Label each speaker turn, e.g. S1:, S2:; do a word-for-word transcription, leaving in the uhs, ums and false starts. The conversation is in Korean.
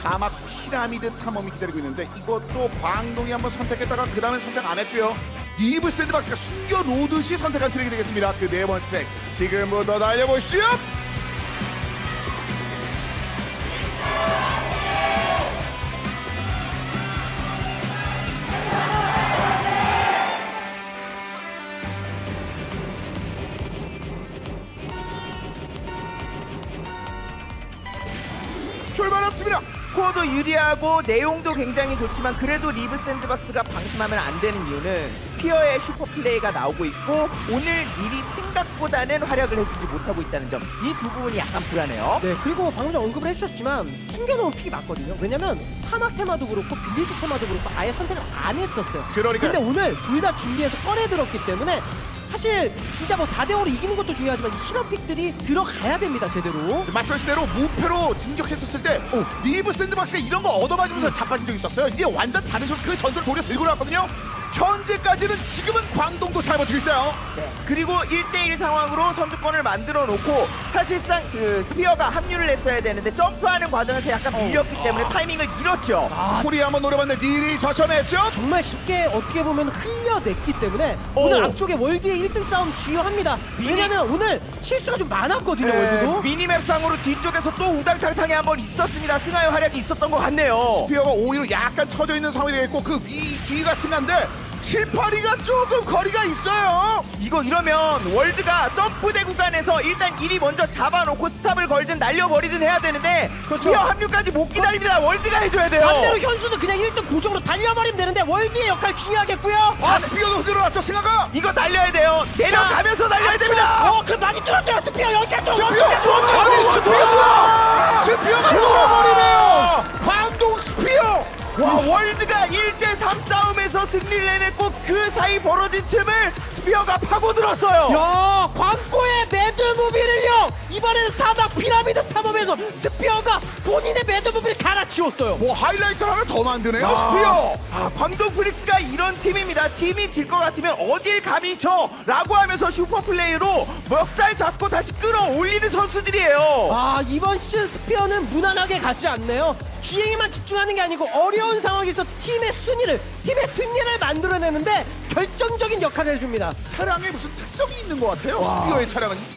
S1: 사막 피라미드 탐험이 기다리고 있는데 이것도 광동이 한번 선택했다가 그 다음에 선택 안 했고요. 니브 샌드박스가 숨겨놓듯이 선택한 트랙이 되겠습니다. 그 네 번째 트랙 지금부터 달려보시죠. 출발했습니다.
S2: 스코어도 유리하고 내용도 굉장히 좋지만 그래도 리브 샌드박스가 방심하면 안 되는 이유는 스피어의 슈퍼 플레이가 나오고 있고 오늘 미리 생각보다는 활약을 해주지 못하고 있다는 점, 이 두 부분이 약간 불안해요.
S3: 네, 그리고 방금 전 언급을 해주셨지만 숨겨놓은 픽이 맞거든요. 왜냐면 사막 테마도 그렇고 빌리시 테마도 그렇고 아예 선택을 안 했었어요.
S1: 그러니까요.
S3: 근데 오늘 둘 다 준비해서 꺼내들었기 때문에 사실 진짜 뭐 사 대 오로 이기는 것도 중요하지만 이 실험 픽들이 들어가야 됩니다, 제대로.
S1: 말씀하신 대로 무패로 진격했었을 때 오, 리브 샌드박스가 이런 거 얻어맞으면서 자빠진 적이 있었어요. 이제 완전 다른 전 그 전술을 돌려 들고 나왔거든요. 현재까지는 지금은 광동도 잘 버티고 있어요.
S2: 네. 그리고 일 대일 상황으로 선두권을 만들어 놓고 사실상 그 스피어가 합류를 했어야 되는데 점프하는 과정에서 약간 밀렸기 때문에 타이밍을 잃었죠.
S3: 아,
S1: 코리아 한번 노려봤는데 닐이 저점했죠.
S3: 정말 쉽게 어떻게 보면 흘려냈기 때문에
S2: 오.
S3: 오늘 앞쪽에 월드의 일 등 싸움 중요합니다. 왜냐면 오늘 실수가 좀 많았거든요,
S2: 네,
S3: 월드도.
S2: 미니맵상으로 뒤쪽에서 또 우당탕탕이 한번 있었습니다. 승하의 활약이 있었던 것 같네요.
S1: 스피어가 오히려 약간 처져 있는 상황이 되겠고 그 위 뒤가 승한데 칠팔이가 조금 거리가 있어요.
S2: 이거 이러면 월드가 점프대 구간에서 일단 일 위 먼저 잡아놓고 스탑을 걸든 날려버리든 해야 되는데
S3: 그렇죠.
S2: 스피어 합류까지 못 기다립니다. 월드가 해줘야 돼요.
S3: 반대로 현수도 그냥 일 등 고정으로 달려버리면 되는데 월드의 역할 중요하겠고요.
S1: 아 스피어도 들어왔죠. 승하가
S2: 이거 날려야 돼요. 내려가면서 날려야 됩니다.
S3: 어, 그럼 많이 줄었어요, 스피어. 여기까지
S1: 스피어
S3: 좀.
S1: 아니 스피어 스피어가 돌아버리네요. 광동 스피어.
S2: 와, 월드가 일 대 삼 싸움에서 승리를 해냈고 그 사이 벌어진 틈을 스피어가 파고들었어요.
S3: 야, 광고의 매드무비를요. 이번에는 사막 피라미드 탐험에서 스피어가 본인의 매드무비를 갈아치웠어요.
S1: 뭐 하이라이트 하나 더 만드네요.
S2: 아,
S1: 스피어.
S2: 아, 광동 프릭스가 이런 팀입니다. 팀이 질 것 같으면 어딜 감히 쳐 라고 하면서 슈퍼플레이로 멱살 잡고 다시 끌어올리는 선수들이에요.
S3: 아, 이번 시즌 스피어는 무난하게 가지 않네요. 기행에만 집중하는 게 아니고 어려운 상황에서 팀의 순위를, 팀의 승리를 만들어내는데 결정적인 역할을 해줍니다.
S1: 차량에 무슨 특성이 있는 것 같아요. 스피어의 차량은.